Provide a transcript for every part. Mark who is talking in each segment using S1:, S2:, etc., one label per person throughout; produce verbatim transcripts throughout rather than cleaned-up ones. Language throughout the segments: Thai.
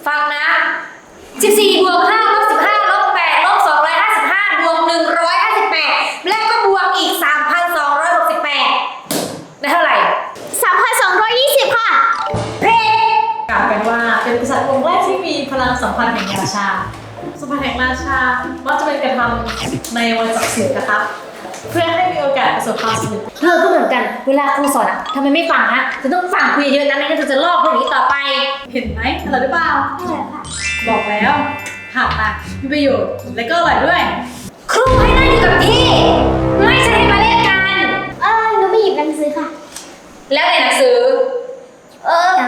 S1: ฟังนะสิบสี่บวกห้าลบสิบห้าลบแปดลบสองร้อยห้าสิบห้าบวกหนึ่งร้อยห้าสิบแปดแล้วก็บวกอีกสามพันสองร้อยหกสิบแปดได้เท่าไหร่
S2: สามพันสองร้อยยี่สิบค่ะ
S1: เพลง
S3: กล่าวกันว่าเป็นกษัตริย์องค์แรกที่มีพลังสัมพันธ์แห่งราชาสัมพันธ์แห่งราชามักจะเป็นกระทำในวันศักดิ์สิทธิ์นะครับเพื่อให้มีโอกาสประสบความสำเร็จ
S1: เธอก็เหมือนกันเวลาครูสอนอะทำไมไม่ฟังฮะเธอต้องฟังคุยเยอะๆนะไม่งั้นเธอจะลอกพวกนี้ต่อไป
S3: เห็นไหมอร่อยหรือเปล่าบอกแล้วผักอ่ะมีประโยชน์และก็อร่อยด้วย
S1: ครูให้นั่งอยู่กับที่ไม่ใช่ให้มาเล่นกัน
S2: เออหนูไม่หยิบหนังสือค่ะ
S1: แล้วในหนังสือ
S2: เออ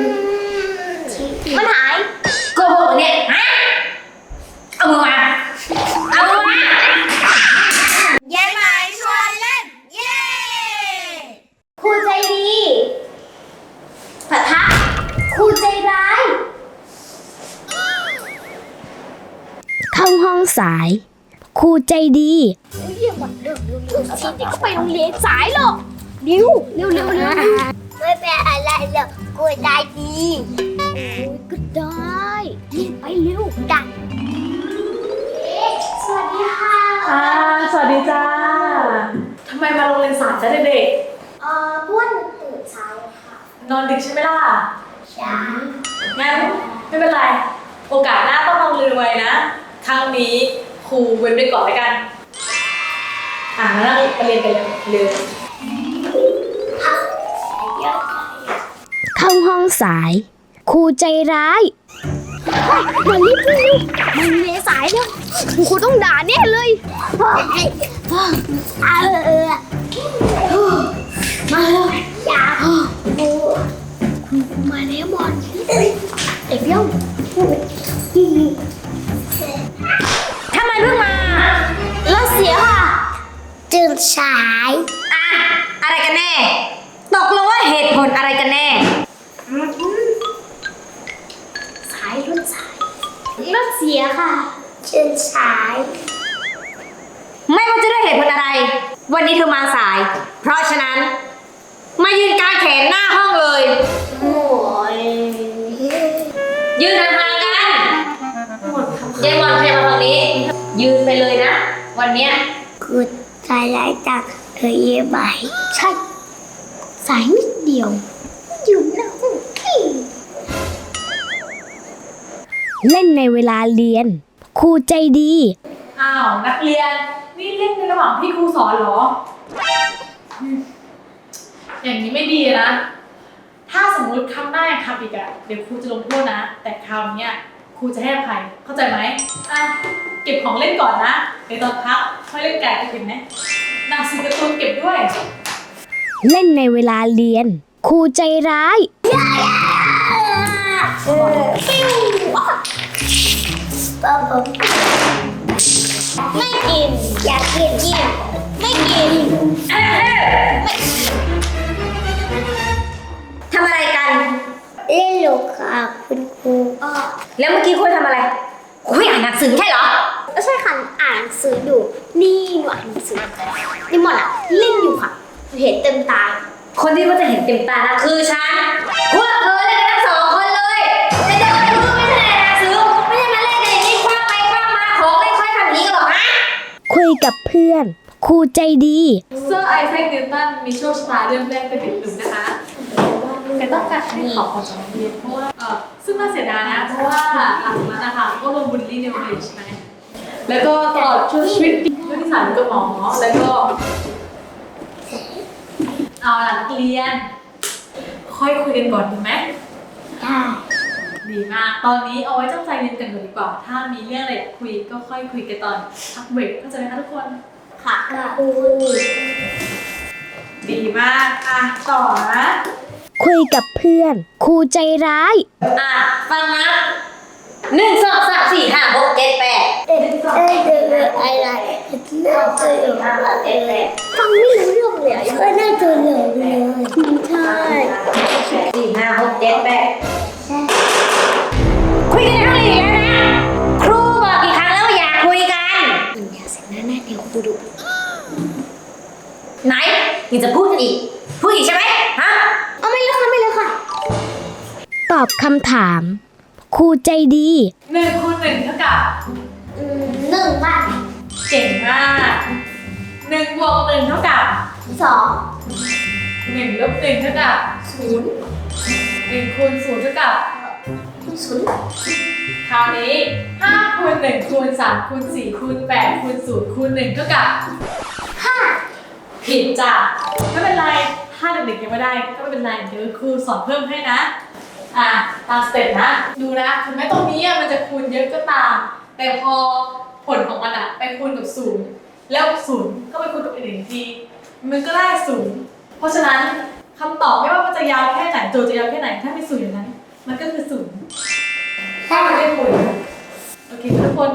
S2: มันหาย
S1: โกหกเนี่ยฮะเอามือมาเอามือมา
S2: เย้ไหมชวนเล่นเย้ครูใจดีปะทะครูใจร้ายเข้าห้องสายครูใจดีเรียกวันเดิมเร็วๆสิเด็กไปโรงเรียนสายหรอกเร็วเร็วเร็วเร็วไม่เป็นอะไรหรอกครูใจดีโอ้ยก็ได้เรียนไปเร็วดันสวัสดีค่ะ
S3: อ่าสวัสดีจ้าทำไมมาโรงเรียนสายจ้าเด็ก
S2: เอ่อบ้วนตื่นสายค่ะ
S3: ๆนอนดึกใช่ไหมล่ะ
S2: ใช่
S3: งั้นไม่เป็นไรโอกาสหน้าต้องมาโรงเรียนไวนะครั้งนี้ครูเว้นไปก่อนแล้วกันอ่าแล้วไปเรียนกันเลย
S2: เข้าห้องสายครูใจร้ายมารีบเร็วมันเมสายแล้วครูต้องด่าแน่เลยเอาเออมาเลยอย่าครูครูมาแล้วบอลเด็กเลี้ยว
S1: ทำไมเพิ่งมาร
S2: ถเสียค่ะตื่นสาย
S1: อะอะไรกันแน่ตกลงว่าเหตุผลอะไรกันแน่
S2: สายรถสายรถเสียค่ะตื่นสาย
S1: ไม่ว่าจะด้วยเหตุผลอะไรวันนี้เธอมาสายเพราะฉะนั้นมายืนกางแขนหน้าห้องเลย
S2: โอ้ย
S1: ยืนห่างๆกันยายมอนใครมาฝั่งนี้ยืนไปเลยนะวันเนี้ย
S2: คือสายไล่ตักเธอเย่ไหมใช่สายนิดเดียวอยู่หน้าห้องเล่นในเวลาเรียนครูใจดี
S3: อ้าวนักเรียนนี่เล่นในระหว่างที่ครูสอนเหรออย่างนี้ไม่ดีนะถ้าสมมุติครั้งหน้าทำอีกอะเดี๋ยวครูจะลงโทษนะแต่คราวนี้ครูจะให้อภัยเข้าใจไหมอ่ะเก็บของเล่นก่อนนะเดี๋ยวตอนพักค่อยเล่นแกะเห็นไหมหนังสือการ์ตูนเก็บด้วย
S2: เล่นในเวลาเรียนครูใจร้ายไม่กินอยากกินกินไม่กิน
S1: ทำอะไรกัน
S2: เล่นโลกค่ะคุณครู
S1: แล้วเมื่อกี้คุยทำอะไรคุยอ่านหนังสือใช่เหรอ
S2: ใช่ค่ะอ่านหนังสืออยู่นี่หนูอ่านหนังสือนี่หมดอ่ะเล่นอยู่ค่ะเห็นเต็มตา
S1: คนที่เขาจะเห็นเต็มตานะคือฉันพวกเธอเล่นกันทั้งสองคนเลยแต่เด็กคนนี้ไม่ใช่หนังสือไม่ใช่มาเล่นกันอย่างนี้คว้างไปคว้างมาของไม่ค่อยทำนี้หรอกฮะ
S2: คุยกับเพื่อนครูใจดี
S3: เซอร์ไอแซคนิวตันมีโชคชะตาเริ่มแรกเป็นเด็กหนุ่มนะคะแกต้องการให้ขอออกจากโรงเรียนเพราะว่าเออซึ่งน่าเสียดายนะเพราะว่าหลังจากนั้นนะคะก็โดนบูลลี่ในโรงเรียนใช่ไหมแล้วก็ตลอดช่วงชีวิตด้วยนิสัยกับหมอแล้วก็เอาล่ะนักเรียนค่อยคุยกันก่อนดีไหม
S2: ได้
S3: ดีมากตอนนี้เอาไว้ตั้งใจเรียนกันก่อนดีกว่าถ้ามีเรื่องอะไรคุยก็ค่อยคุยกันตอนพักเบรกเข้าใจไหมคะทุกคน
S2: ค่ะครู
S3: ดีมากอ่ะต่อนะ
S2: คุยกับเพื่อนครูใจร้าย
S1: อ่ะฟังนะหนึ่งสองสามสี่ห้าหกเจ็ดแปด
S2: เอ๊ะเอ๊ะเอ๊ะอะไรน่าจะอยู่ห้าเจ็ดแปดฟังไม่รู้เรื่องเลยก็น่าจะเหลือเลยใช่
S1: สี่ห้าหกเจ็ดแปดคุยกันในห้องเรียนแล้วนะครูบอกกี่ครั้งแล้วว่าอยากคุยกัน
S2: อย่าเสียงหน้าหน้าเดี๋ยวครูดุ
S1: ไหนยังจะพูดกันอีกพูดอีกใช่ไหมฮะ
S2: เอาไม่เลยค่ะไม่เลยค่ะตอบคำถามครูใจดี
S3: หนึ่งคูณหนึ่งเท่ากับ
S2: อืมหนึ่งค่ะ
S3: เก่งมากหนึ่งบวกหนึ่งเท่ากับ
S2: สอง
S3: หนึ่งลบหนึ่งเท่ากับ
S2: ศูนย์
S3: หนึ่งคูณศูนย์เท่ากับ
S2: ศูนย์
S3: คราวนี้ห้าคูณหนึ่งคูณสามคูณสี่คูณแปดคูณศูนย์คูณหนึ่งเท่ากับ
S2: ห้า
S3: ผิดจ้ะไม่เป็นไรถ้าเด็กๆยังไม่ได้ก็ไม่เป็นไรเดี๋ยวครูสอนเพิ่มให้นะอ่ะตามสเต็ปนะดูนะถึงแม้ตรงนี้อ่ะมันจะคูณเยอะก็ตามแต่พอผลของมันอ่ะไปคูณกับศูนย์แล้วศูนย์ก็ไปคูณกับอีกหนึ่งทีมันก็ได้ศูนย์เพราะฉะนั้นคำตอบไม่ว่ามันจะยาวแค่ไหนโจทย์จะยาวแค่ไหนถ้ามีศูนย์อย่างนั้นมันก็คือศูนย์ถ้ามันได้คูณโอเคทุกคน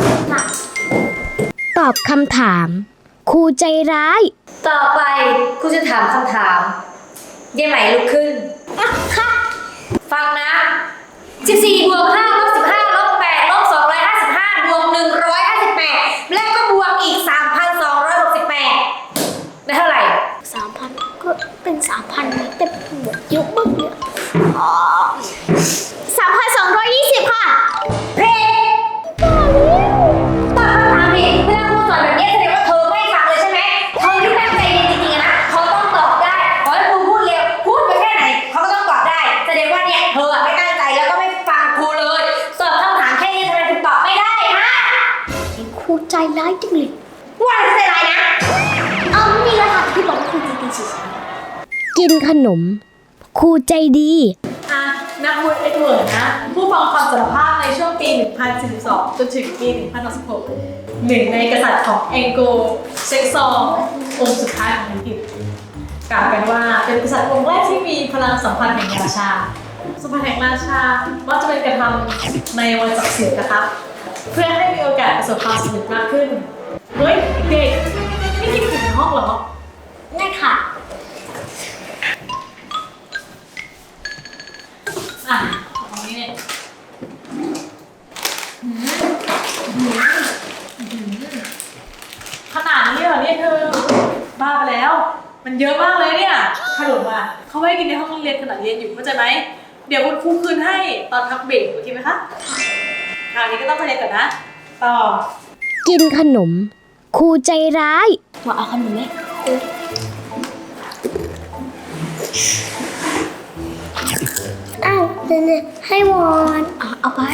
S2: ตอบคำถามครูใจร้าย
S1: ต่อไปครูจะถามคำถามเย่ไหมลุกขึ้น ฟังนะสิบสี่บวกห้าลบสิบห้าลบแปดลบสองร้อยห้าสิบห้าบวกหนึ่งร้อยห้าสิบแปดและก็บวกอีกสามพันสองร้อยหกสิบแปดได้เท่าไหร่
S2: สามพันก็เป็นสามพันแต่บวกเยอะมากเลยสามพันสองร้อยยี่สิบค่ะ
S1: เพลงตอบคำถามผิดเวลาครูสอนแบบนี้แสดงว่าเธอไม่ฟังเลยใช่ไหมเธอที่ตั้งใจเรียนจริงๆนะเขาต้องตอบได้ขอให้ครูพูดเร็วพูดไปแค่ไหนเขาก็ต้องตอบได้แสดงว่าเนี่ยเธอไม่ตั้งใจแล้วก็ไม่ฟังครูเลยสอบคำถามแค่นี้ทำไมถึงตอบไม่ได้ฮะ
S2: ครูใจร้ายจังเลย
S1: ว่าจะเป็นอะไรนะ
S2: เอาไม่มีแล้วค่ะที่บอกว่าครูใจดีสุดกินขนมครูใจดี
S3: อ่ะนักบุญเอ็ดเวิร์ดนะ ผู้ฟังความสารภาพในช่วงปี หนึ่งพันสี่สิบสอง จนถึงปี หนึ่งพันหกสิบหก หนึ่งในกษัตริย์ของแองโกลเซ็กซององค์สุดท้ายของอังกฤษกล่าวกันว่าเป็นกษัตริย์องค์แรกที่มีพลังสัมพันธ์แห่งราชา สัมพันธ์แห่งราชามักจะเป็นการทำในวันศักดิ์สิทธิ์นะครับ เพื่อให้มีโอกาสประสบความสำเร็จมากขึ้น เฮ้ยเด็กไม่กินถึงในห้องเหรอ
S2: ง่ายค่ะ
S3: อ่ะตรงนี้เนี่ยหืมหืมขนาดนี้เหรอเนี่ยเธอ บ้าไปแล้ว มันเยอะมากเลยเนี่ยขนมอ่ะเขาไม่ให้กินในห้องเรียนขณะเรียนอยู่เข้าใจไหม เดี๋ยวคุณครูคืนให้ตอนพักเบรกโอเคไหมคะคราวนี้ก็ต้องไปเรียนก่อนนะ ต่อ
S2: กินขนมครูใจร้ายว่าเอาขนมไหมอ้าวเดี๋ยวให้วอนเอาไป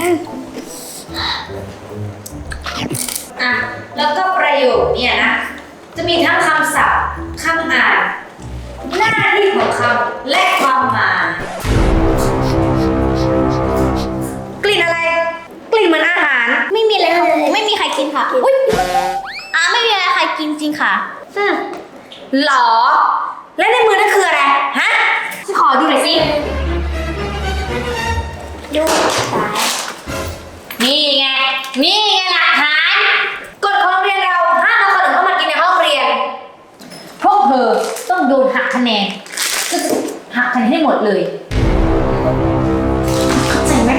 S1: อ่ะแล้วก็ประโยคเนี่ยนะจะมีทั้งคำศัพท์คำอ่านหน้าที่ของคำและความหมายกลิ่นอะไร กลิ่นเหมือนอาหาร
S2: ไม่มีอะไรค่ะครูไม่มีใครกินค่ะอุ้ยอ่าไม่มีอะไรใครกินจริงค่ะ
S1: อืมหรอ และในมือนั่นคืออะไร ฮะฉันขอดูหน่อยสิ
S2: ดูสาย
S1: นี่ไง นี่ไงหลักฐานกฎของโรงเรียนเราห้ามเอาขนมเข้ามากินในห้องเรียน พวกเธอต้องโดนหักคะแนนก็จะหักคะแนนให้หมดเลย เข้าใจไหม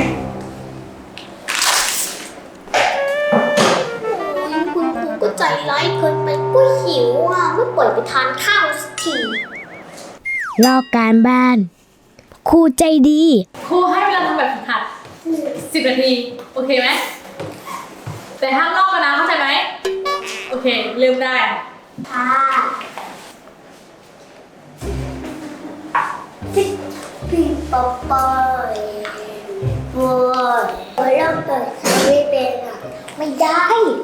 S2: คุณครูก็ใจร้ายเกินไปก็หิวอ่ะไม่ปล่อยไปทานข้าวสักทีลอกการบ้านครูใจดี
S3: ครูให้เวลาทำแบบฝึกหัดสิบนาที โอเคไหม แต่ห้ามลอกกันนะเข้าใจไหม โอเค เริ่มได้
S2: ค่ะพี่ปอปอยบัวบัวเริ่มเปิดไม่เป็นอ่ะไม่ได้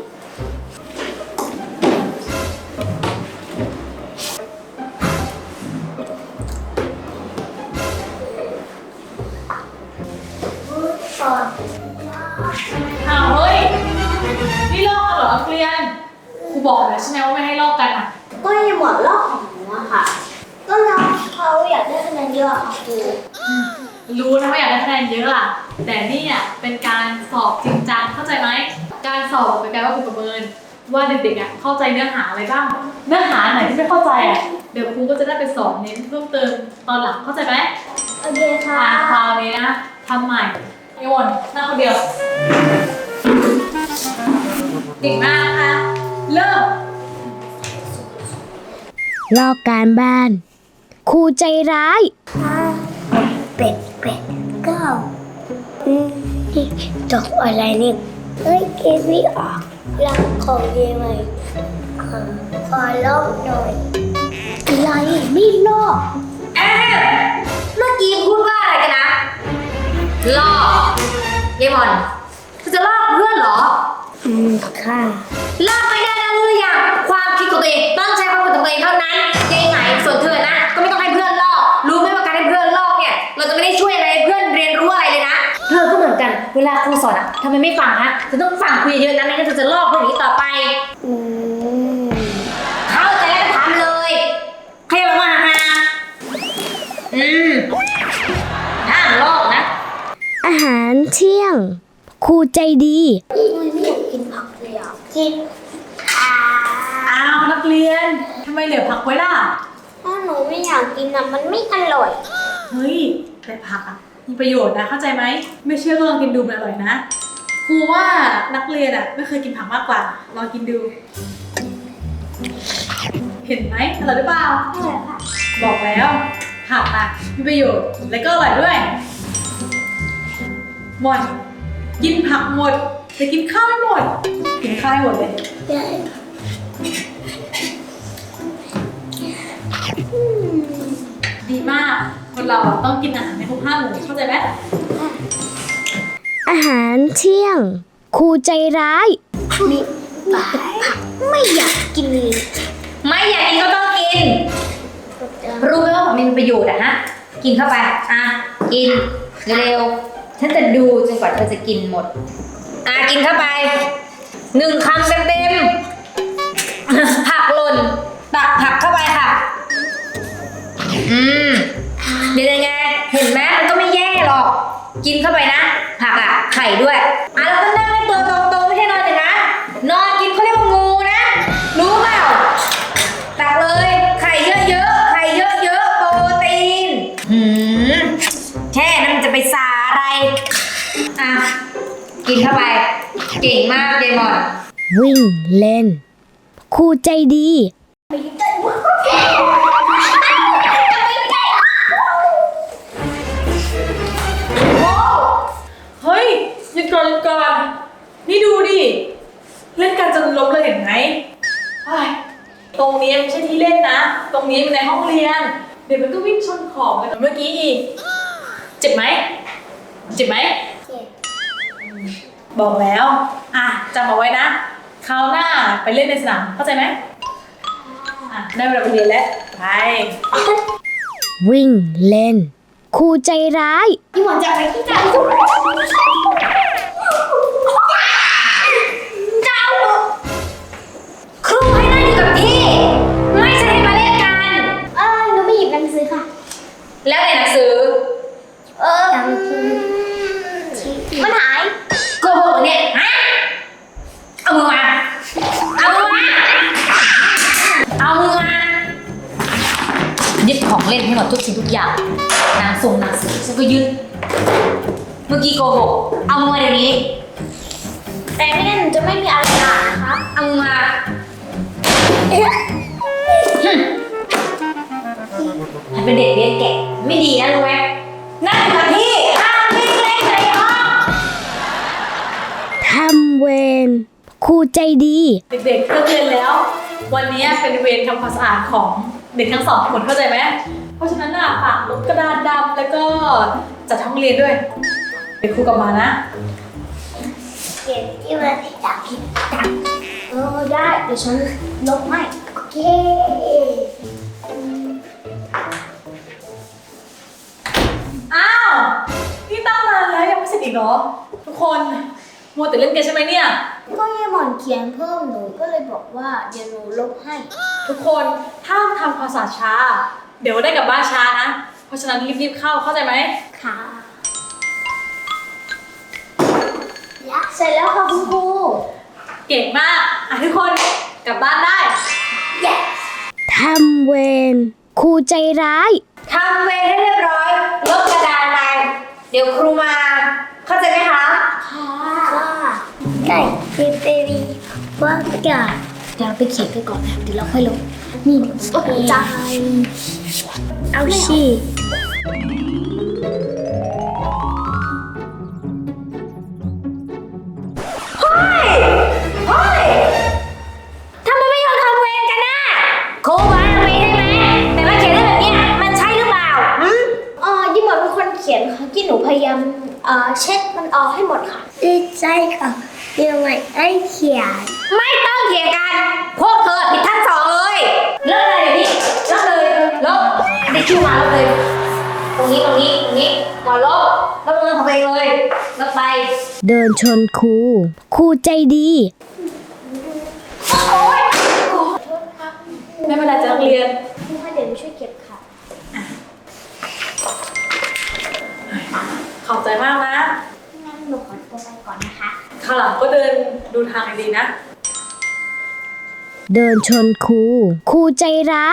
S2: ก่อน
S3: อ้าวเฮ้ย นี่ลอกกันเหรอนักเรียน ครูบอกแล้วใช่ไหมว่าไม่ให้ลอกกันอ่ะ
S2: ก็ยังหมดรอบของหนูอะค่ะ ก็แล้วเขาอยากได้คะแนนเยอะค่ะครู
S3: รู้นะว่าอยากได้คะแนนเยอะอะแต่นี่อ่ะเป็นการสอบจริงจังเข้าใจไหม การสอบเป็นการว่าครูประเมินว่าเด็กๆอ่ะเข้าใจเนื้อหาอะไรบ้าง เนื้อหาไหนที่ไม่เข้าใจอ่ะเดี๋ยวครูก็จะได้ไปสอนเน้นเพิ่มเติมตอนหลังเข้าใจไหม
S2: โอเคค่ะ
S3: อ่าคราวนี้นะทำใหม่ไอวอนหน้าคนเดียวเก่งมากนะคะเริ่ม
S2: ลอกการบ้านครูใจร้ายห้าเป็ดเป็ดเก้าอืมดอกอะไรนี่เฮ้ยเกมไม่ออกรักของเยไหมขอลอกหน่อยอะไรไม่ลอก
S1: เอ๊ะเมื่อกี้พูดว่าอะไรกันนะลอกเยมอนเธอจะลอกเพื่อนเหรอ
S2: อืมค่ะ
S1: ลอกไม่ได้นะรู้หรือยังความคิดของตัวเองต้องใช้ความคิดของตัวเองเท่านั้นยังไงส่วนเธอนะก็ไม่ต้องให้เพื่อนลอกรู้ไหมว่าการให้เพื่อนลอกเนี่ยเราจะไม่ได้ช่วยอะไรเพื่อนเรียนรู้อะไรเลยนะเธอก็เหมือนกันเวลาครูสอนอะทำไมไม่ฟังฮะเธอต้องฟังครูเยอะๆนะไม่งั้นเธอจะลอกเพื่อนอย่างนี้ต่อไป
S2: อืม
S1: เข้าใจแล้วก็ทำเลยใครมาหาอืมห้ามลอกนะ
S2: อาหารเที่ยงครูใจดีไม่อยากกินผักเลยอ่ะกินอ่า
S3: อ้าวนักเรียนทำไมเหลือผักไว้ล่ะ
S2: ถ้าหนูไม่อยากกินอ่ะมันไม่อร่อย
S3: เฮ้ยแต่ผักอะมีประโยชน์นะเข้าใจไหมไม่เชื่อก็ลองกินดูมันอร่อยนะครูว่านักเรียนอะไม่เคยกินผักมากกว่าลองกินดู เห็นไหมอร่อยหรือเปล่า
S2: อร่อยค่ะ
S3: บอกแล้วผักอะมีประโยชน์และก็อร่อยด้วยหมดกินผักหมดแต่กินข้าวไม่หมดกินข้าวให้หมดเลย
S2: ใช่อืม
S3: ดีมากคนเราต้องกินอาหารในครบห้าหมู่เข้าใจไหม
S2: อาหารเที่ยงครูใจร้ายมีผักไม่อยากกินเลย
S1: ไม่อยากกินก็ต้องกิน รู้ไหมว่าผักมีประโยชน์อะฮะ กินเข้าไป อ่ะ กินเร็วๆ ฉันจะดูจนกว่าเธอจะกินหมด อ่ะ กินเข้าไป หนึ่งคำเต็มๆ ผักหล่น ตักผักเข้าไปค่ะ อืมเดี๋ยวยังไง เห็นไหมมันก็ไม่แย่หรอก กินเข้าไปนะ ผักอะไข่ด้วย อ่ะแล้วก็นั่งให้ตัวตรงๆ ไม่ใช่นอนอย่างนั้นนอนกินเขาเรียกว่างูนะ รู้เปล่า ตักเลย ไข่เยอะๆ ไข่เยอะๆ โปรตีนหืมแค่นั้นมันจะไปสาอะไร อ่ะ กินเข้าไป เก่งมากเดมอน
S2: วิ่งเล่นครูใจดี
S3: เฮ้ยหยุดก่อนหยุดก่อนนี่ดูดิเล่นกันจนล้มเลยเห็นไหมเฮ้ยตรงนี้ไม่ใช่ที่เล่นนะ ตรงนี้มันในห้องเรียน เดี๋ยวมันก็วิ่งชนของเหมือนเมื่อกี้อีกเจ็บไหมเจ็บไหมบอกแล้วอ่ะจำเอาไว้นะคราวหน้าไปเล่นในสนามเข้าใจไหมอ่ะได้เวลาไปเรียนแล้วไป
S2: วิ่งเล่นครูใจร้าย
S1: พี่หมอนจะไปที่ไหนเจ้าครูให้นั่งอยู่กับที่ ไม่ใช่ให้มาเล่นกัน
S2: เออหนูไม่หยิบหนังสือค่ะ
S1: แล้วในหนังสือ
S2: เออมันหาย
S1: โกหกเนี่ยฮะเอามือมาเอามือมาเอามือมายึดของเล่นให้หมดทุกสิ่งทุกอย่างนางทรงนางสือฉันก็ยึดเมื่อกี้โกหกเอามือมาเดี๋ยวนี้
S2: แต่ไม่งั้นหนูจะไม่มีอะไรอ่านนะคะ
S1: เอามือมาให้เป็นเด็กเลี้ยงแกะไม่ดีนะรู้ไหมนั่งอยู่กับที่ห้ามวิ่งเล่นในห้อง
S2: ทำเวรครูใจดี
S3: เด็กๆเลิกเรียนแล้ว วันนี้เป็นเวรทำความสะอาดของเด็กทั้งสองคนเข้าใจไหมเพราะฉะนั้นน่ะฝากลบกระดานดำแล้วก็จัดห้องเรียนด้วยเดี๋ยวครูกลับมานะ
S2: เก็บที่มันอยากกินตังเออได้เดี๋ยวฉันลบให้โอเค
S3: อ้าวนี่ตั้งนานแล้วยังไม่เสร็จอีกเหรอทุกคนมัวแต่เล่นเกมใช่ไหมเนี่ย
S2: ก็ยายหมอนเขียนเพิ่มหนูก็เลยบอกว่าเดี๋ยวหนูลบให้
S3: ทุกคนถ้าทำความสะอาดช้า เดี๋ยวได้กลับบ้านช้านะเพราะฉะนั้นรีบๆเข้าเข้าใจไหม
S2: ค่ะเสร็จแล้วค่ะคุณครู
S3: เก่งมากอ่ะทุกคนกลับบ้านได้
S2: yes ทำเวรครูใจร้าย
S1: ทำเวรให้เรียบร้อยลบกระดานไปเดี๋ยวครูมา เข้าใจไหมคะ
S2: ค่ะไก่เบเบบีว่ากาเดี๋ยวเราไปเขียนกันก่อนนะเดี๋ยวเราค่อยลบนี่ตกใจเอาชีอกให้หมดค่ะดีใจค่ะเดี๋ยวไม่ได้เขียน
S1: ไม่ต้องเถียงกัน พวกเธอผิดทั้งสองเลยเลิกเลยพี่เลิกเลยลบได้คิวมาลบเลย ตรงนี้ตรงนี้ตรงนี้ก่อนลบลบมือของตัวเองเลยลบไป
S2: เดินชนครูครูใจดี
S3: ไม่เป็นไรจ้ะนักเรียน
S2: ครูให้เดี๋ยวช่วยเก็บค่ะ
S3: ขอบใจมากนะ
S2: งั้นหนูขอตัวไปก่อนนะคะ
S3: ข้างหลังก็เดินดูทางดีๆนะ
S2: เดินชนครูครูใจร้าย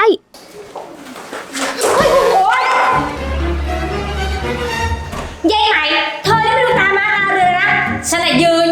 S1: ยายไหมเธอนี่ไม่ดูตามาตาเรือนะ ฉันน่ะยืน